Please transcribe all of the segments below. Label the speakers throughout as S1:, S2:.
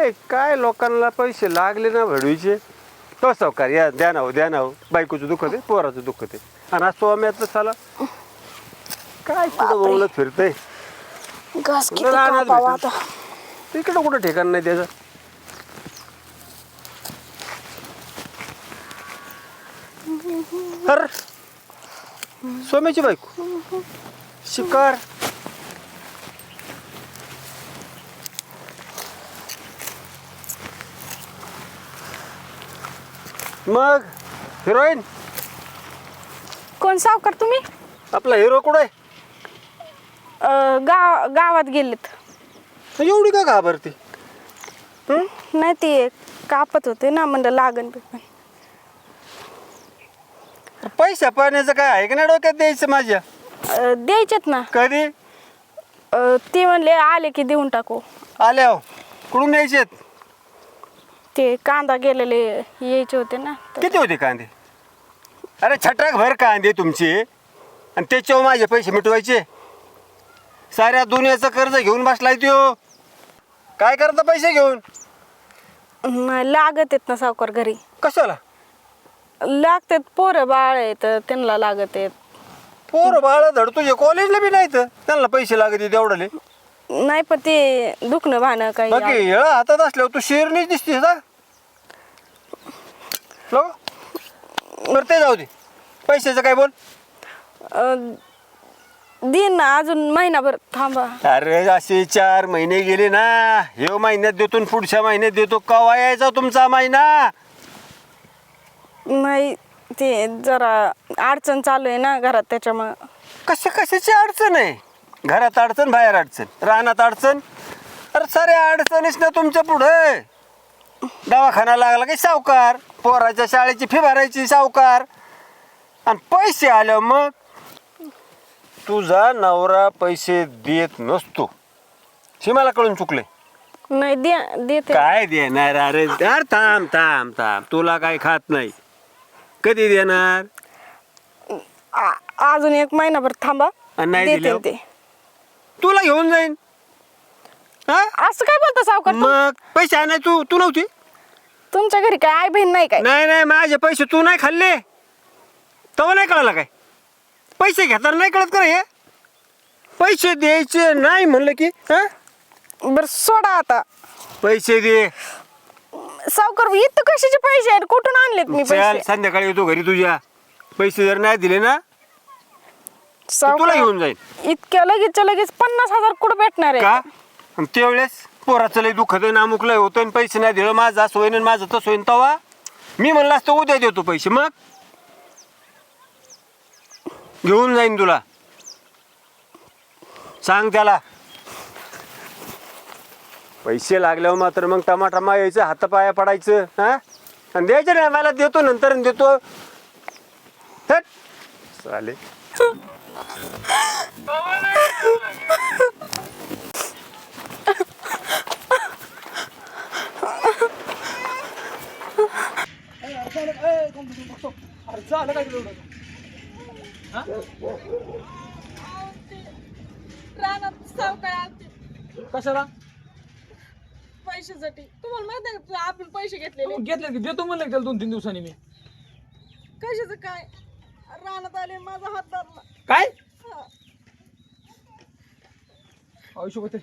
S1: काय काय लोकांना पैसे लागले ना भडवीचे तो सावकार या द्या ना हो बायकोचं दुःख आहे पोराचं दुःख आहे आणि आज स्वाम्याचं साला काय कुठं बोलत फिरतंय
S2: घास किती कापावा आता.
S1: तिकडं कुठं ठिकाण नाही त्याचं तर सोम्याची बायको शिकार मग हिरोईन
S2: कोण सावकार तुम्ही?
S1: आपला हिरो कुठं आहे
S2: गावात गेलेत.
S1: एवढी का घाबरती
S2: नाही ते कापत होते ना म्हणलं लागन बिगन.
S1: पैसा पाण्याचं काय आहे का नाही डोक्यात द्यायचं माझ्या
S2: द्यायचेत ना.
S1: कधी
S2: ते म्हणले आले की देऊन टाकू.
S1: आल्या कुठून द्यायचे
S2: ते कांदा गेलेले यायचे होते ना.
S1: किती होते कांदे अरे छटाक भर कांदे तुमचे आणि त्याच्यावर माझे पैसे मिटवायचे साऱ्या दुनियाचं कर्ज घेऊन बसलाय त्यो काय करता पैसे घेऊन
S2: लागत आहेत ना सावकार घरी.
S1: कशाला
S2: लागतात पोरं बाळ आहेत त्यांना लागत आहेत.
S1: पोर बाळा धड तुझे कॉलेजला बी नाही तर त्यांना पैसे लागत तेवढले
S2: नाही पण ते दुखणं भाणं काही
S1: बाकी येळा हातात असल्यावर तू शेरनीच दिसतीस ना बरं ते जाऊ दे पैशाचं काय बोल
S2: दिन ना अजून महिनाभर थांबा.
S1: अरे असे 4 महिने गेले ना हे महिन्यात देतो पुढच्या महिन्यात देतो कवा यायचा तुमचा महिना
S2: नाही ते जरा अडचण चालू आहे ना घरात त्याच्यामुळं.
S1: कशाची अडचण आहे घरात अडचण बाहेर अडचण रानात अडचण अरे साऱ्या अडचणीच ना तुमच्या पुढे दवाखाना लागला की सावकार पोराच्या शाळेची फी भरायची सावकार आणि पैसे आले मग तुझा नवरा पैसे देत नसतो हे मला कळून चुकले
S2: नाही देते.
S1: काय देणार अरे यार थांब तुला काय खात नाही कधी देणार
S2: अजून 1 महिनाभर थांबा.
S1: नाही
S2: देते
S1: दिल्यावर?
S2: ते.
S1: तुला घेऊन जाईन हा
S2: असं काय बोलता सावकार
S1: मग पैसे आणाय तू नव्हती
S2: तुमच्या घरी काय आई बहीण नाही काय?
S1: नाही माझे पैसे तू नाही खाल्ले तेव्हा नाही कळाला काय पैसे घेताना नाही कळत का हे पैसे द्यायचे नाही म्हणलं की हा
S2: बर सोडा आता.
S1: पैसे दे
S2: सावकार इथं कशाचे पैसे आहेत कुठून आणलेत मी
S1: चल
S2: पैसे?
S1: संध्याकाळी येतो घरी तुझ्या पैसे जर नाही दिले ना तुला
S2: सावकार
S1: घेऊन जाईल
S2: इतक्या लगेच 50,000 कुठं भेटणार आहे?
S1: का आणि त्यावेळेस पोराचं लय दुखत आहे नामुक लय होतं आणि पैसे नाही दिलं माझं असं होईन आणि माझं तसं होईन तेव्हा मी म्हणलं असतं उद्या देतो पैसे मग घेऊन जाईन तुला सांग त्याला पैसे लागल्यावर मात्र मग टमाटमा यायचं हातापाया पडायचं हा आणि द्यायचं नाही मला देतो नंतर देतो हट. चालेल
S3: रानात सावकार आलते
S4: कशाला
S3: पैशासाठी. तुम्हाला माहित आहे का आपण पैसे घेतलेले
S4: घेतले की देतो म्हणलं त्याला 2-3 दिवसांनी मी
S3: कशाचं काय रानात आले माझा हात धरला.
S4: काय
S3: हा.
S4: आयुष्य होते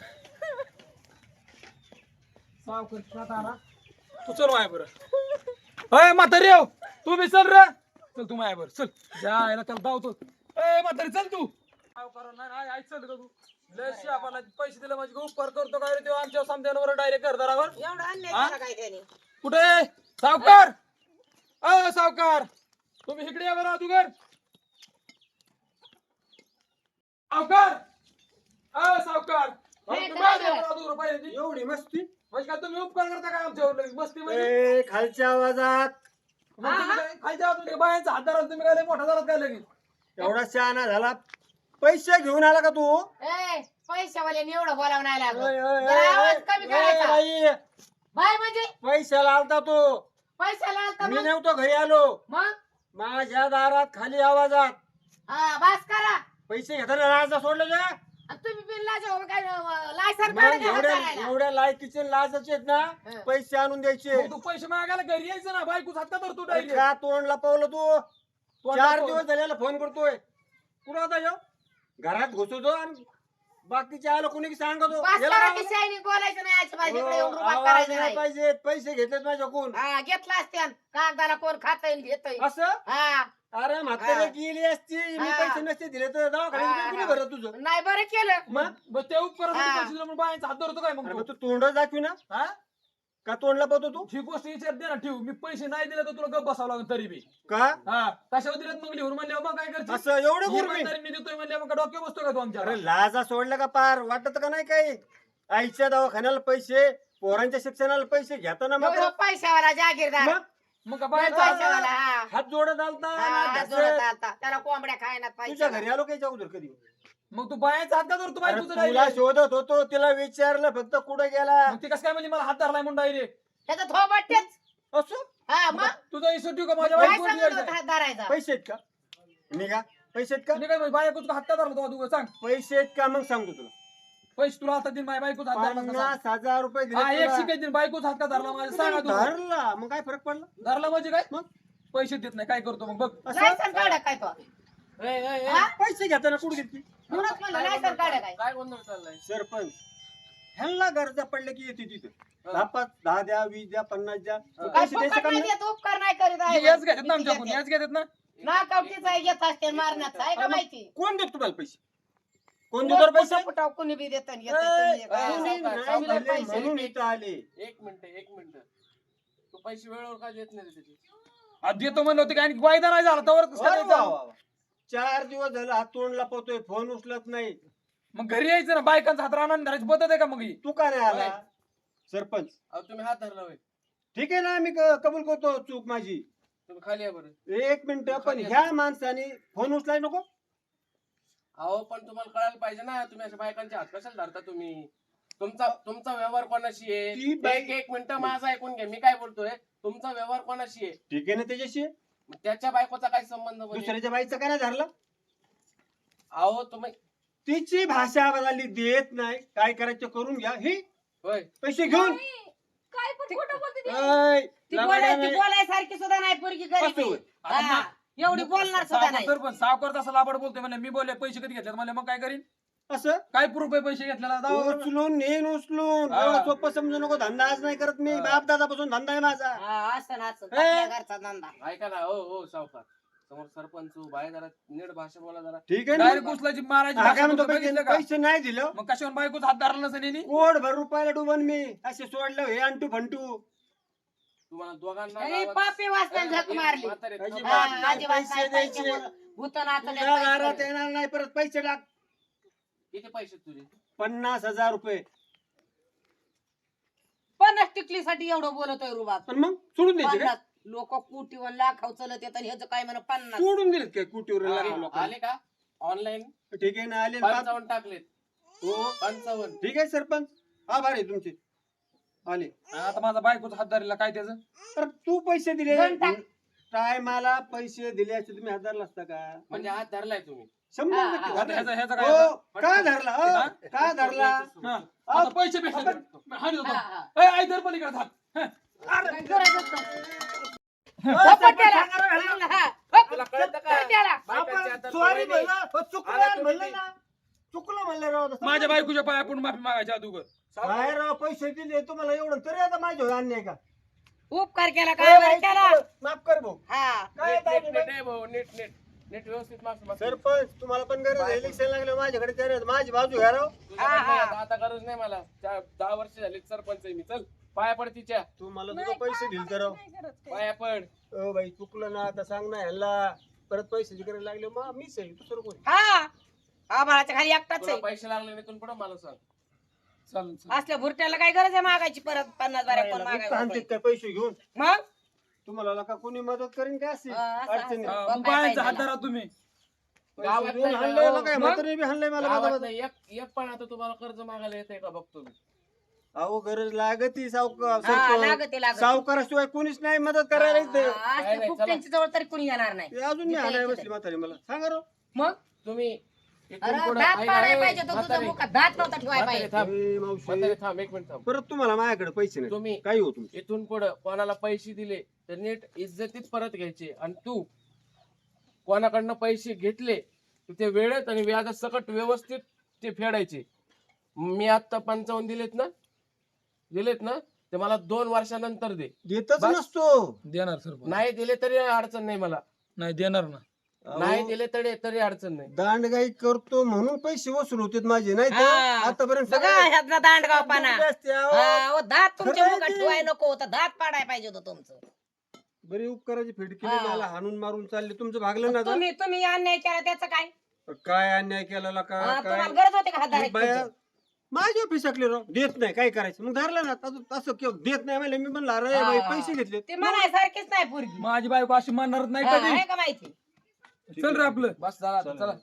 S4: तू चल माया बरं अय म्हातारी येऊ तू बी चल रे चल तू माया बरं चल जायला त्याला धावतो ए म्हातारी चल तू नाही चल का तू लय आपल्याला पैसे दिले माझे उपकार करतो काय रे तो आमच्या समद्यांवर डायरेक्ट घरदारावर
S3: एवढा अन्याय झाला काय त्याने?
S4: कुठे सावकार अ सावकार तुम्ही इकडे या बरं अगोदर सावकार अ सावकार
S1: एवढी मस्ती
S4: म्हणजे काय तुम्ही उपकार करता काय आमच्यावर लगेच मस्ती म्हणजे
S1: खालच्या आवाजात
S4: मग तुम्ही काय खायच्या आतून बायांचा हात धराल तुम्ही काय लय मोठा धराल काय लगेच
S1: एवढा शहाणा झाला पैसे घेऊन आला का तू
S5: पैशावाल्याने एवढं बोलावं नाही लागलं.
S1: ओय, ओय,
S5: जरा आवाज
S1: ओय,
S5: कमी
S1: ओय,
S5: करायचा.
S1: बाई,
S5: बाय म्हणजे
S1: पैशाला आलता तो
S5: पैशाला आलता
S1: मी
S5: मग?
S1: नव्हतो घरी आलो
S5: मग
S1: माझ्या दारात खाली आवाजात
S5: हा बास करा.
S1: पैसे घेताना राहायचा सोडलं का
S5: आणि तुम्ही बिल लाजा काय लायसन
S1: मग
S5: काढा का
S1: एवढ्या
S5: हाताळायला?
S1: एवढ्या लायकीचे लाजाचे आहेत ना
S5: हं.
S1: पैसे आणून द्यायचे.
S4: मग तू पैसे मागायला घरी यायचं ना, बायकोच हात का धरतो
S1: अरे
S4: डायरेक्ट.
S1: का तोंड लपवलं तू? 4 दिवस झालेला फोन करतोय. कुठं होता ह्यो? घरात घुसतो आणि बाकीचे आलं कोणी सांगतो
S5: बस
S1: याला
S5: करा
S1: आवाज-
S5: की शायनिंग बोलायचं नाही याच्या बाजूकडे
S1: हो,
S5: येऊन रुबाब
S1: आवाज
S5: करायचं
S1: नाही
S5: नाही.
S1: पाहिजे. पैसे घेतलेत माझ्याकडून
S5: हा घेतला असत्यान कागदाला कोण खातय घेतय.
S1: असं.
S5: हा
S1: अरे म्हातारे
S5: हा.
S1: गेली असती मी
S5: हा.
S1: पैसे नसते दिले तर दवाखान्यात
S5: हा,
S1: कोणी
S5: हा.
S1: भरत तुझं.
S5: नाही बरं केलं.
S1: मग
S4: मग ते उपकारासाठी
S5: हा.
S4: पैसे दिले म्हणून बायांचा हात धरतो काय मग
S1: अरे
S4: तू?
S1: मग तू तोंड दाखवी ना
S4: हा?
S1: का तोंड लपवतो तू
S4: ही गोष्ट विचार दे ना, ठेव. मी पैसे नाही दिले तर तुला गप बसावं लागेल तरी बी.
S1: का
S4: हा कशावर दिलेत मग लिहून म्हणल्यावर मग काय करते?
S1: असं एवढं गुरमी
S4: इमानदारीने देतोय म्हणल्यावर मग डोक्यावर बसतो का तू आमच्या?
S1: अरे लाजा सोडलं का पार वाटत का नाही काही आईच्या दवाखान्याला पैसे पोरांच्या शिक्षणाला पैसे घेताना मग
S5: तो पैशावाला जागीरदार
S1: मग
S4: मग का
S5: पैशावाला
S4: बायांचा
S5: हा.
S1: हात जोडत आलता
S5: हा,
S1: ना
S5: हात
S1: घासत.
S5: जोडत आलता. त्याला कोंबड्या खायला
S1: तुझ्या
S5: पाहिजे.
S1: घरी आलो काही अगोदर कधी
S4: मग तू बायांचा हात का धरतो बाई
S1: अरे
S4: तुझं
S1: तुला
S4: डायरेक्ट?
S1: शोधत होतो तिला विचारलं फक्त कुठे गेला
S4: मग ती कसं काय म्हणली मला हात धरलाय म्हणून डायरेक्ट?
S5: त्याचा थोबाड तेच.
S1: असो
S5: हा मग
S4: तुझा हिशो ठेव का माझ्या
S5: काय
S4: बायकोवर
S5: सांगत
S4: द्यायचा?
S5: होता हात धरायचा?
S1: पैसे आहेत का निघा पैसे आहेत का
S4: तुम्ही काय म्हणली, बायकोचा हात का धरला तो तू सांग?
S1: पैसे आहेत का मग सांगतो तुला
S4: पैसे तुला आता दिन माझ्या बायकोचा हात धरला का सांग?
S1: 50,000 रुपये
S4: हा
S1: दिले
S4: एक
S1: तुला.
S4: शिकाय दिन बायकोचा हात का धरला माझ्या सांगा तू.
S1: धरला मग काय फरक पडला
S4: धरला म्हणजे काय?
S1: मग
S4: पैसे देत नाही काय करतो मग बघ.
S1: असं
S5: लायसन काढा काय तो? हा?
S1: पैसे घेताना कुठे घेतली
S5: म्हणूनच म्हणलं लायसन काढा काय?
S6: काय गोंधळ चाललाय?
S1: सरपंच ह्यांना गरजा पडल्या की येते तिथं 10 द्या 20 द्या 50 द्या
S5: काय
S1: पैसे द्यायचं
S5: फुकट
S1: काम
S5: नाही
S1: नाही.
S5: देत, उपकार नाही करीत आहे.
S4: याच घेतात ना आमच्याकडून, याच घेतात ना.
S5: नाकावटीचा आहे, घेत असते मारण्याचा आहे का माहिती?
S1: कोण देत तुम्हाला पैसे कोण देतो रे पैसे
S5: फुटाव कुणी बी देत
S1: कोणी
S5: नाही.
S1: नाही दिले म्हणून इथं आले
S6: एक मिनिट तू पैसे वेळेवर का देत नाही रे त्याचे?
S4: आज देतो म्हणलं होतं की आणि वायदा नाही झाला तर कसं
S1: अरे वा
S4: करायचं?
S1: वा वा. 4 दिवस झालं हात तोंड लपवतोय फोन उचलत नाही
S4: मग घरी यायचं ना, बायकांचा हात राहणार धरायची पद्धत आहे का मग ही?
S1: तू का नाही आला सरपंच
S6: अहो तुम्ही हात धरला होय.
S1: ठीक आहे ना मी कबूल करतो चूक माझी
S6: तुम्ही खाली या बरं.
S1: 1 मिनिट पण ह्या माणसाने फोन उचलाय नको
S6: अहो पण तुम्हाला कळायला पाहिजे ना, तुम्ही अशा बायकांचे हात कशाला धरता तुम्ही? तुमचा व्यवहार कोणाशी
S1: ती
S6: आहे?
S1: बाई-
S6: एक मिनिट माझा ऐकून घ्या, मी काय बोलतोय. तुमचा व्यवहार कोणाशी आहे?
S1: ठीक आहे ना त्याच्याशी
S6: मग त्याच्या बायकोचा काय संबंध म्हणजे?
S1: दुसऱ्याच्या बाईचं काय नाही धरलं
S6: अहो तुम्ही
S1: तिची भाषा बदलली देत नाही काय करायचं करून घ्या ही
S6: होय
S1: पैसे घेऊन
S3: काय पण खोटं बोलते ती.
S1: ऐ,
S5: ती
S1: लबाड्याने-
S5: बोलायसारखी सुद्धा नाही पोरगी गरीब
S1: असं होय.
S5: आहे. हा, एवढी बोलणार सुद्धा नाही.
S4: सरपंच सावकार तसा लाबड बोलतोय म्हणजे मी बोलले पैसे कधी घेतले म्हणले मग काय करीन?
S1: असं
S4: काय प्रूफ आहे पैसे घेतलेला? दावा करू.
S1: उचलून नेन उचलून
S4: हा.
S1: एवढं सोपं समजू नको धंदा आज नाही करत मी बाप दादापासून धंदा आहे माझा
S5: हा, असं ना असं आपल्या घरचा धंदा.
S6: ऐका ना. हो सावकार समोर सरपंच बाहेर जरा नीट भाषा बोला जरा.
S1: ठीक आहे ना
S4: डायरेक्ट उचलायची मारायची
S1: हा,
S4: भाषा
S1: काय म्हणतो
S4: बोलतो, बघितलं का?
S1: पैसे नाही दिलं
S4: मग कशावर बायकोच हात धरला नसेल यांनी?
S1: कोड भर रुपयाला डुबन मी असे सोडलं हे अंटू फंटू
S6: तुम्हाला दोघांना
S5: अरे,
S6: गावात-
S5: पापी वाचण्यात झक मारली.
S6: म्हातारे,
S1: अजिबात
S6: थांबा.
S5: हा,
S1: नाही,
S5: अजिबात
S1: पैसे
S5: नाही,
S1: द्यायचे.
S5: पैशामुळं भूतं नाचत आहेत,
S1: तुझ्या
S5: पैसे
S1: घरात
S5: द्यायचे.
S1: येणार नाही परत पैसे टाक
S6: किती पैसे तुझे?
S1: 50,000 रुपये
S5: 50 टिकलीसाठी एवढं बोलतोय रुबाब.
S1: पण मग सोडून द्यायचे काय
S5: 50 लोक कोटीवर लाखाव चलत येतात, ह्याचं काय म्हणा 50.
S1: सोडून दिलेत काय कुटीवर लोकांना
S6: आले का ऑनलाईन?
S1: ठीक आहे ना आले ना.
S6: 55 टाकलेत.
S1: हो
S6: 55.
S1: ठीक आहे सरपंच आभार आहे तुमचे आले
S4: आता माझा बायकोचा हात धरला काय त्याचं?
S1: तर तू पैसे दिले
S5: दोन टाक.
S1: टायमाला पैसे दिले असते तुम्ही हजारला असता का
S6: म्हणजे हात धरलाय तुम्ही?
S1: 100%
S4: आता
S1: हजार.
S4: ह्याचा काय
S1: हो,
S4: होता?
S1: का धरला
S4: हा?
S1: का धरला
S4: हा, आता पैसे भेटले हात देतो.
S5: हा, हा.
S4: ए, आई धर पलीकडे हात. हं.
S5: काय गरजच नाही.
S1: हो,
S5: झोपट त्याला.
S1: सरपंच,
S5: हा, हप.
S6: तुला कळतं का?
S5: धर त्याला.
S6: बायकांच्या हातात
S1: सॉरी
S6: सवय नाही.
S1: म्हणलं चुकलं
S6: आला तुम्ही
S1: म्हणलं ना चुकलं म्हणलं राव
S4: माझ्या बायकोच्या पाया आपण माफी मागायच्या अगोदर.
S1: काय राव पैसे दिले तुम्हाला एवढं तरी आता माझ्या अन्याय का
S5: उपकार केला काय बरं केला.
S1: माफ कर भाऊ
S5: हा.
S1: काय
S6: नीट
S1: काय
S6: नीट नीट आहे भाऊ, नीट नीट नीट व्यवस्थित माफी माग.
S1: सरपंच तुम्हाला पण गरज आहे इलेक्शन लागलं माझ्याकडे तरी माझी बाजू घ्या राव
S6: तुझ्याकडे नाही आता- आता गरज नाही मला. 10 वर्ष झाली सरपंच आहे मी. चल पाया पड तिच्या.
S1: तू मला तुझं पैसे दिल तर राव
S3: नाही करत काही.
S6: पाया पड.
S1: ओ बाई चुकलं ना आता सांग ना ह्याला परत पैशाची गरज लागली मग मीच आहे दुसरं कोण
S5: हा आभाळाच्या खाली एकटाच
S6: तुला
S5: आहे.
S6: पैसे लागले नाही इथून पुढे मला सांग.
S4: चालेल चालेल.
S5: असल्या भुरट्याला काय गरज आहे मागायची परत 50 बाऱ्या कोण
S1: आणते
S5: मागायला
S1: काय पैसे घेऊन
S5: मग
S1: तुम्हाला का कोणी मदत करीन काय असेल
S5: हा, असं-
S1: अडचणी
S5: असं.
S4: हा, मग बायांचा हात धरा तुम्ही.
S1: पैसे
S6: गावात
S1: देऊन
S6: नाही
S1: हाणलंय
S6: का?
S1: ना काय
S4: मग?
S1: म्हातारे बी हाणलंय मला
S6: गावात
S1: माझा
S6: नाही, एक पण आता तुम्हाला कर्ज मागायला येतंय का बघतो मी.
S1: अहो गरज लागती
S5: हा, लागते, लागते.
S1: सावकाराशिवाय कोणीच नाही मदत करायला इथे
S5: हा, असल्या
S6: नाही,
S5: खूप
S6: चला.
S5: त्यांच्या जवळ तरी कोणी येणार नाही.
S1: ते अजून मी
S5: जिथे
S1: हाणाय
S5: यायचं
S1: बसली म्हातारी मला सांगा राव
S5: मग
S6: तुम्ही इथून
S5: अरे
S6: पुढं
S5: दात
S6: ऐक,
S5: पाडायला
S6: ऐक,
S5: पाहिजे होतं तुझं
S6: म्हातारे,
S5: मुखात दात नव्हता ठेवायला
S6: म्हातारे
S5: पाहिजे.
S6: थांब,
S1: ए, मावशी,
S6: म्हातारे थांब, एक मिनिट थांब.
S1: परत तुम्हाला माझ्याकडे पैसे नाही
S6: तुम्ही
S1: काही हो तुमचं
S6: इथून पुढं कोणाला पैसे दिले तर नीट इज्जतीत परत घ्यायचे. आणि तू कोणाकडनं पैसे घेतले तर ते वेळेत आणि व्याजात सकट व्यवस्थित ते फेडायचे. मी आता 55 दिलेत ना ते मला 2 वर्षानंतर दे.
S1: देतच
S6: बस.
S1: नसतो.
S4: देणार सरपंच.
S6: नाही दिले तरी अडचण नाही मला.
S4: नाही देणार ना.
S6: नाही
S1: अहो,
S6: दिले तरी अडचण नाही.
S1: दांडगाई करतो म्हणून पैसे वसूल होते माझे नाही तर
S5: हा.
S1: आतापर्यंत
S5: बघा ह्यातला दांडगावपणा.
S1: सगळे असते, अहो.
S5: हा, ओ, दात तुमच्या
S1: खरं
S5: मुखात
S1: आहे ते.
S5: ठेवायला नको होतं दात पाडायला पाहिजे होतं तुमचं.
S1: बरी उपकाराची फेड केली
S5: हा.
S1: मला हाणून मारून चालले तुमचं भागलं ना आता?
S5: तुम्ही अन्याय केला त्याचं काय
S1: काय अन्याय केलेला का
S5: हा,
S1: काय
S5: तुम्हाला गरज होते का हात
S1: मी
S5: धरायची
S1: बाया
S5: तुमची?
S1: माझ्या ऑफिसातले राव देत नाही काय करायचं मग धरलं ना असं केव्हा देत नाही म्हणलं मी म्हणलं अरे बाई
S5: हा.
S1: पैसे घेतले
S5: ते म्हणायसारखीच नाही पोरगी.
S4: माझी बायको अशी मानणार नाही
S5: हा,
S4: कधी.
S5: आहे का माहिती?
S4: चल रे आपलं.
S6: बस चला आता, चला.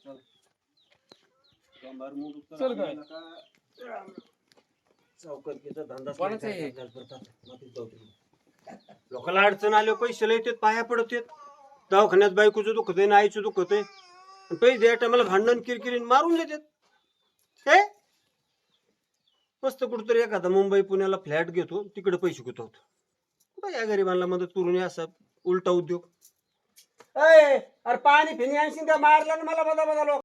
S4: चल काय.
S1: चौकटीचा धंदा
S6: कोणाचा आहे?
S1: लोकांना अडचण आले पैसे लय येतात पाया पडत येत दवाखान्यात बायकोचं दुखत आहे आईचं दुखत आहे पैसे द्या टायमाला भांडण किरकिरीन मारून देतात हे मस्त कुठतरी एखादा मुंबई पुण्याला फ्लॅट घेतो तिकडे पैसे गुतवतो या गरिबांना मदत करून या असा उलटा उद्योग अरे पाणी फिनी आणशील का मारला ना मला बदा बदा लोक